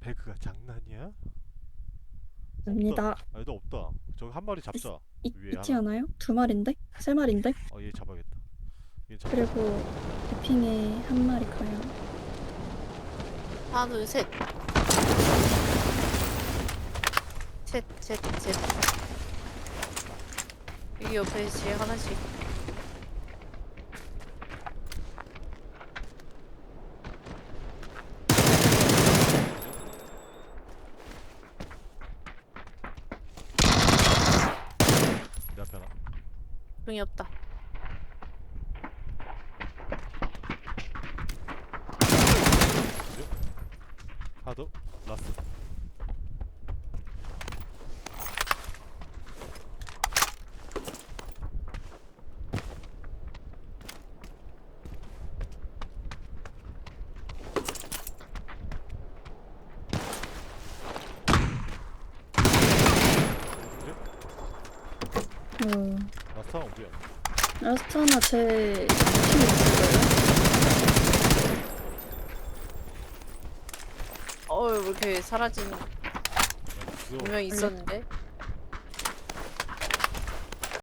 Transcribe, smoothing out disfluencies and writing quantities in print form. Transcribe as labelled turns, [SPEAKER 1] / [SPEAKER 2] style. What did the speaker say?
[SPEAKER 1] 배그가 장난이야?
[SPEAKER 2] 입니다.
[SPEAKER 1] 없다. 아, 얘도 없다. 저기 한 마리 잡자. 위에
[SPEAKER 2] 있지
[SPEAKER 1] 하나.
[SPEAKER 2] 않아요? 두 마리인데? 세 마리인데?
[SPEAKER 1] 얘 잡아야겠다. 얘 잡아.
[SPEAKER 2] 그리고 도핑에 한 마리 가요.
[SPEAKER 3] 하나, 둘, 셋. 셋, 셋, 셋. 여기 옆에 제 하나씩.
[SPEAKER 1] 내 앞에 하나.
[SPEAKER 3] 종이 없다.
[SPEAKER 1] 하나 더. 라스. 라스트 하나 어디야?
[SPEAKER 2] 라스트 하나 제 팀이 있어요.
[SPEAKER 3] 왜 이렇게 사라진
[SPEAKER 1] 야,
[SPEAKER 3] 분명히 있었는데?